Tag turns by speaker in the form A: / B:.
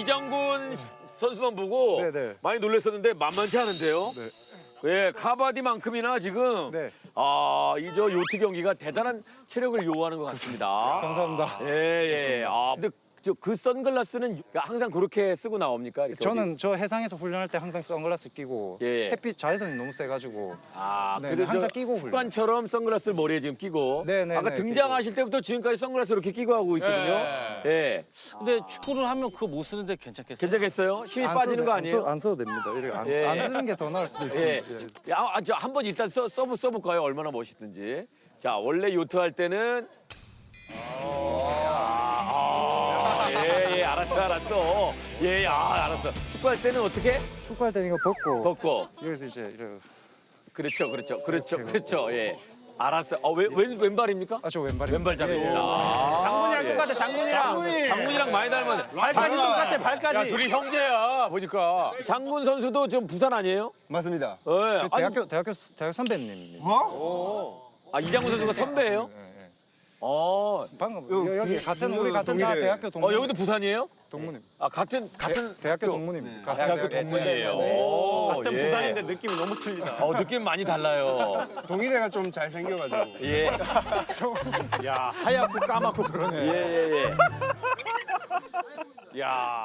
A: 이장군 선수만 보고
B: 네네.
A: 많이 놀랐었는데 만만치 않은데요.
B: 네.
A: 예, 카바디만큼이나 지금
B: 네.
A: 이 저 요트 경기가 대단한 체력을 요구하는 것 같습니다.
B: 감사합니다.
A: 예, 예. 근데 그 선글라스는 항상 그렇게 쓰고 나옵니까? 이렇게
B: 저는 저 해상에서 훈련할 때 항상 선글라스 끼고
A: 예.
B: 햇빛 자외선이 너무 세가지고 네,
A: 그래도
B: 항상
A: 저
B: 끼고
A: 습관처럼 선글라스를 머리에 지금 끼고
B: 네, 네,
A: 아까
B: 네,
A: 등장하실 때부터 지금까지 선글라스 이렇게 끼고 하고 있거든요. 예.
C: 근데 축구를 하면 그거 못 쓰는데 괜찮겠어요?
A: 괜찮겠어요? 힘이
B: 안
A: 빠지는
B: 써도-
A: 거 아니에요?
B: 안 써도 됩니다. 이렇게 안,
A: 예.
B: 안 쓰는 게 더 나을 수도
A: 예.
B: 있습니다.
A: 저 한번 일단 써볼까요? 얼마나 멋있든지. 자, 원래 요트 할 때는 예, 알았어. 예, 알았어. 축구할 때는 어떻게?
B: 축구할 때는 이거 벗고
A: 덮고.
B: 여기서 이제 이렇게
A: 그렇죠. 예. 알았어. 왼발입니까?
B: 저 왼발이
A: 왼발 잡입니다.
C: 장군이랑 똑같아,
A: 장군이랑 많이 닮았네.
C: 발까지 똑같아, 발까지.
D: 야, 둘이 형제야, 보니까.
A: 장군 선수도 좀 부산 아니에요?
E: 맞습니다.
A: 예.
B: 저 대학교 선배님입니다.
A: 이장군 선수가 선배예요?
B: 방금 여기 같은 우리 같은 다 대학교 동문.
A: 여기도 부산이에요?
B: 동문님.
A: 같은
B: 대학교 동문입니다.
A: 대학교 동문이에요.
D: 같은
A: 예.
D: 부산인데 느낌이 너무 틀리다.
A: 느낌 많이 달라요.
E: 동일애가 좀 잘생겨가지고.
A: 예.
D: 야, 하얗고 까맣고 그러네.
A: 예.
D: 야.